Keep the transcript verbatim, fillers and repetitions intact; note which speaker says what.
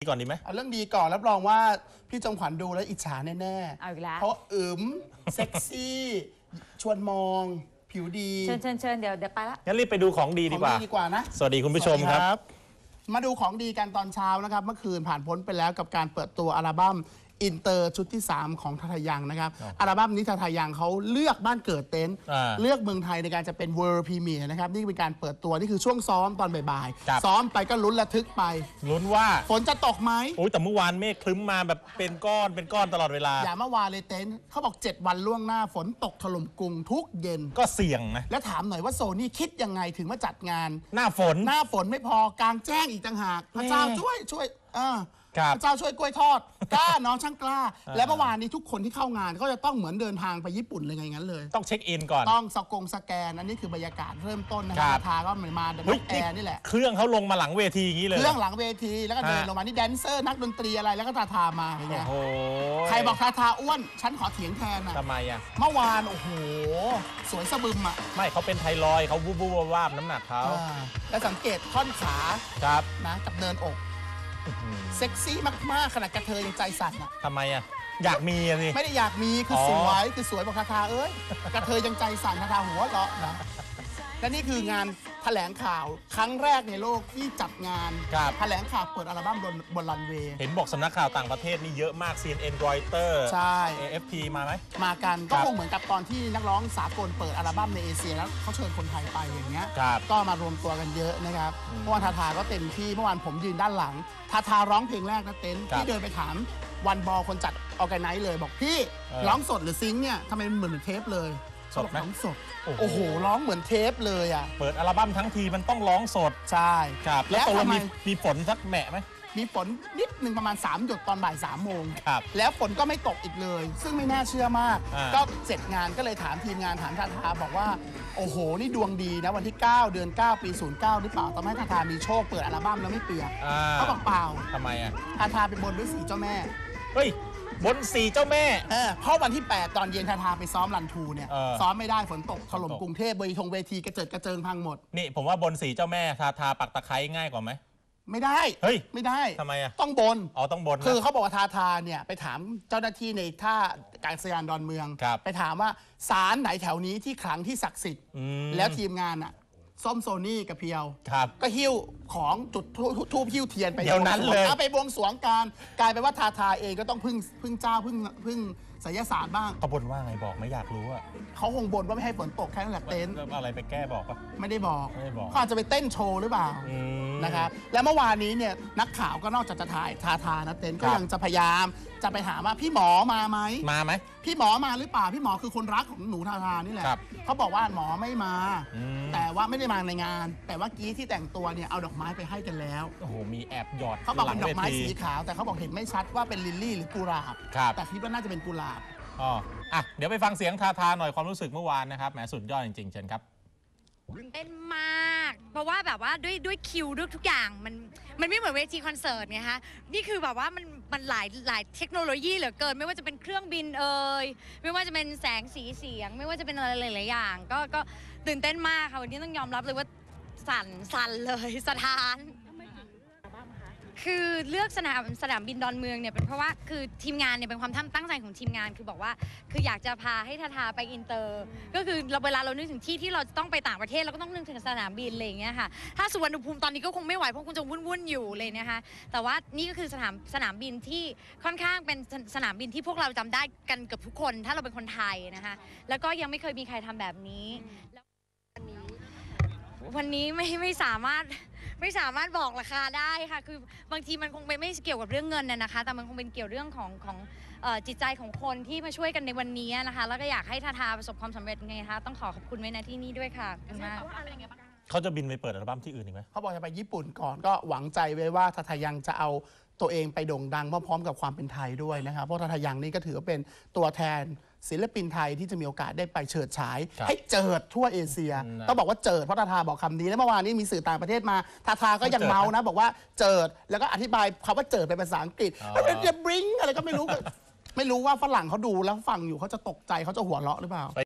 Speaker 1: ก่อนดีไหม
Speaker 2: เอาเรื่องดีก่อนรับรองว่าพี่จงขวัญดูแล้วอิจฉาแน่ๆเอาอีกแล้วเพราะอึมเซ็กซี่ชวนมองผิวดี
Speaker 3: เชิญเชิญเชิญเดี๋ยวเดี๋ยวไปละ
Speaker 1: งั้นรีบไปดูของดีดีกว่า
Speaker 2: ดีกว่านะ
Speaker 1: สวัสดีคุณผู้ชมครับ
Speaker 2: มาดูของดีกันตอนเช้านะครับเมื่อคืนผ่านพ้นไปแล้วกับการเปิดตัวอัลบั้มอินเตอร์ชุดที่สามของทาทายังนะครับอัลบั้มนี้ทาทายังเขาเลือกบ้านเกิดเต็นท์เลือกเมืองไทยในการจะเป็นเวิลด์พรีเมียร์นะครับนี่เป็นการเปิดตัวนี่คือช่วงซ้อมตอนบ่ายๆซ้อมไปก็ลุ้นระทึกไป
Speaker 1: ลุ้นว่า
Speaker 2: ฝนจะตกไหม
Speaker 1: โอ้แต่เมื่อวานเมฆคลึ้มมาแบบเป็นก้อนเป็นก้อนตลอดเวลา
Speaker 2: อย่าเมื่อวานเลยเต็นท์เขาบอกเจ็ดวันล่วงหน้าฝนตกถล่มกรุงทุกเย็น
Speaker 1: ก็เสี่ยงนะ
Speaker 2: แล้วถามหน่อยว่าโซนี่คิดยังไงถึงมาจัดงาน
Speaker 1: หน้าฝน
Speaker 2: หน้าฝนไม่พอกลางแจ้งอีกต่างหากพระเจ้าช่วยช่วยอ่าพระเจ้าช่วยกล้วยทอดกล้าน้องช่างกล้าและเมื่อวานนี้ทุกคนที่เข้างานก็จะต้องเหมือนเดินทางไปญี่ปุ่นเลยไงงั้นเลย
Speaker 1: ต้องเช็คอินก่อน
Speaker 2: ต้องสกงสแกนอันนี้คือบรรยากาศเริ่มต้นนะครับทาก็เหมือนมาเดินแอร์นี่แหละ
Speaker 1: เครื่องเขาลงมาหลังเวทีอย่างนี้เลย
Speaker 2: เครื่องหลังเวทีแล้วก็เดินลงมานี่แดนเซอร์นักดนตรีอะไรแล้วก็ทาทามาอย่างเงี้ยใครบอกทาทาอ้วนฉันขอเถียงแทนนะ
Speaker 1: ทำไมอ่ะ
Speaker 2: เมื่อวานโอ้โหสวยสะบึมอ่ะ
Speaker 1: ไม่เขาเป็นไทรอยเขาบูบูวาบน้ำหนักเขา
Speaker 2: แล้วสังเกตท่อนขา
Speaker 1: ครับ
Speaker 2: นะกับเนินอกเซ็กซี่มากๆขนาดกระเทยยังใจสั่นอ่ะ
Speaker 1: ทำไมอ่ะอยากมีสิ
Speaker 2: ไม่ได้อยากมีคือสวยคือสวยบอกคาทาเอ้ยกระเทยยังใจสั่นคาทาหัวเราะนะและนี่คืองานแถลงข่าวครั้งแรกในโลกที่จัดงานแถลงข่าวเปิดอัลบั้มบนบนรันเวย์
Speaker 1: เห็นบอกสำนักข่าวต่างประเทศนี่เยอะมาก ซี เอ็น เอ็น Reuters
Speaker 2: ใช่
Speaker 1: เอ เอฟ พี มาไหม
Speaker 2: มากันก็คงเหมือนกับตอนที่นักร้องสากลเปิดอัลบั้มในเอเชียแล้วเขาเชิญคนไทยไปอย่างเงี้ยก็มารวมตัวกันเยอะนะครับเพราะว่าทาทาก็เต็มที่เมื่อวานผมยืนด้านหลังทาทาร้องเพลงแรกนะเต้นที่เดินไปถามวันบอลคนจัดออแกไนซ์เลยบอกพี่ร้องสดหรือซิงค์เนี่ยทำไมมันเหมือนเทปเลย
Speaker 1: สดไหม
Speaker 2: ร้องสดโอ้โหร้องเหมือนเทปเลยอ่ะ
Speaker 1: เปิดอัลบั้มทั้งทีมันต้องร้องสด
Speaker 2: ใช่
Speaker 1: ครับแล้วตกลงมีมีฝนสักแหมะไหม
Speaker 2: มีฝนนิดหนึ่งประมาณสามหยดตอนบ่ายสามโมง
Speaker 1: ครับ
Speaker 2: แล้วฝนก็ไม่ตกอีกเลยซึ่งไม่น่าเชื่อมากก็เสร็จงานก็เลยถามทีมงานถามทาทาบอกว่าโอ้โหนี่ดวงดีนะวันที่เก้าเดือนเก้าปีศูนย์เก้าหรือเปล่าทำให้ทาทามีโชคเปิดอัลบั้มแล้วไม่เปียกเขาบอกเปล่า
Speaker 1: ทำไมอ่ะ
Speaker 2: ทาทาไปบนด้วยสีเจ้าแม่
Speaker 1: เฮ้ยบนสีเจ้าแม่
Speaker 2: เออเพราะวันที่แปดตอนเย็นทาทาไปซ้อมรันทูเนี่ยซ้อมไม่ได้ฝนตกถล่มกรุงเทพเวทีทงเวทีกระเจิดกระเจิงพังหมด
Speaker 1: นี่ผมว่าบนสีเจ้าแม่ทาทาปักตะไคร้ง่ายกว่าไหม
Speaker 2: ไม่ได้
Speaker 1: เฮ้ย
Speaker 2: ไม่ได้
Speaker 1: ทำไมอ่ะ
Speaker 2: ต้องบน
Speaker 1: อ๋อต้องบน
Speaker 2: คือเขาบอกว่าทาทาเนี่ยไปถามเจ้าหน้าที่ในท่าการสยานดอนเมืองไปถามว่าศาลไหนแถวนี้ที่ขลังที่ศักดิ์สิทธิ์แล้วทีมงานอ่ะส้มโซนี่กับเพียวก็หิ้วของจุดทูบหิ้วเทียนไป
Speaker 1: เดี๋ยวนั้นเลย
Speaker 2: ไปบวงสรวงการกลายเป็นว่าทาทาเองก็ต้องพึ่งพึ่งเจ้าพึ่งพึ่งไสยศาสตร์บ้าง
Speaker 1: เขาบ่นว่าไงบอกไม่อยากรู้อ่ะ
Speaker 2: เขาคงบ่นว่าไม่ให้ฝนตกแค่นั้นแหละเต็นท์
Speaker 1: อะไรไปแก้บอกปะ
Speaker 2: ไม่ได้บอก
Speaker 1: ไม่ได้บอก
Speaker 2: เขาอาจจะไปเต้นโชว์หรือเปล่านะครับแล้วเมื่อวานนี้เนี่ยนักข่าวก็นอกจากจะถ่ายทาทานะเต็นท์ก็ยังจะพยายามจะไปถามว่าพี่หมอมาไหม
Speaker 1: มาไหม
Speaker 2: พี่หมอมาหรือเปล่าพี่หมอคือคนรักของหนูทาทานี่แหละเขาบอกว่าหมอไม่มาแต่ว่าไม่ได้มาในงานแต่ว่ากี้ที่แต่งตัวเนี่ยเอาดอกไม้ไปให้กันแล้ว
Speaker 1: โอ้โหมีแอบหยอด
Speaker 2: เขาบอกเป็นดอกไม้สีขาวแต่เขาบอกเห็นไม่ชัดว่าเป็นลิลลี่หรือกุหลาบแต่คิดว่าน่าจะเป็นกุหลาบ
Speaker 1: อ๋ออ่ะเดี๋ยวไปฟังเสียงทาทาหน่อยความรู้สึกเมื่อวานนะครับแหมสุดยอดจริงๆเชิญครับ
Speaker 3: เป็นมากเพราะว่าแบบว่าด้วยด้วยคิวด้วยทุกอย่างมันมันไม่เหมือนเวทีคอนเสิร์ตไงคะนี่คือแบบว่ามันมันหลายหลายเทคโนโลยีเหลือเกินไม่ว่าจะเป็นเครื่องบินเอ่ยไม่ว่าจะเป็นแสงสีเสียงไม่ว่าจะเป็นอะไรหลายๆอย่างก็ก็ตื่นเต้นมากค่ะวันนี้ต้องยอมรับเลยว่าสั่นสั่นเลยสถานคือเลือกสนามสนามบินดอนเมืองเนี่ยเป็นเพราะว่าคือทีมงานเนี่ยเป็นความตั้งใจของทีมงานคือบอกว่าคืออยากจะพาให้ทาทาไปอินเตอร์ก็คือเราเวลาเรานึกถึงที่ที่เราต้องไปต่างประเทศเราก็ต้องนึกถึงสนามบินอะไรอย่างเงี้ยค่ะถ้าสุวรรณภูมิตอนนี้ก็คงไม่ไหวเพราะคงจะวุ่นๆอยู่เลยนะคะแต่ว่านี่ก็คือสนามสนามบินที่ค่อนข้างเป็นสนามบินที่พวกเราจำได้กันเกือบทุกคนถ้าเราเป็นคนไทยนะคะแล้วก็ยังไม่เคยมีใครทำแบบนี้วันนี้ไม่ไม่สามารถไม่สามารถบอกราคาได้ค่ะคือบางทีมันคงไม่เกี่ยวกับเรื่องเงินน่ะนะคะแต่มันคงเป็นเกี่ยวเรื่องของของจิตใจของคนที่มาช่วยกันในวันนี้นะคะแล้วก็อยากให้ทาทาประสบความสำเร็จไงคะต้องขอขอบคุณไว้ณที่นี้ด้วยค่ะขอบคุณมาก
Speaker 1: เขาจะบินไปเปิดอัลบั้มที่อื่นอีกไหม
Speaker 2: เขาบอกจะไปญี่ปุ่นก่อนก็หวังใจไว้ว่าทาทายังจะเอาตัวเองไปโด่งดังพร้อมๆกับความเป็นไทยด้วยนะครับเพราะทาทายังนี่ก็ถือว่าเป็นตัวแทนศิลปินไทยที่จะมีโอกาสได้ไปเฉิดฉายให้เจิดทั่วเอเชียต้องบอกว่าเจิดเพราะทาทาบอกคำนี้แล้วเมื่อวานนี้มีสื่อต่างประเทศมาทาทาก็ยังเมานะบอกว่าเจิดแล้วก็อธิบายคำว่าเจิดเป็นภาษาอังกฤษจะบริ้งอะไรก็ไม่รู้ไม่รู้ว่าฝรั่งเขาดูแล้วฟังอยู่เขาจะตกใจเขาจะหัวเราะหรือเปล่า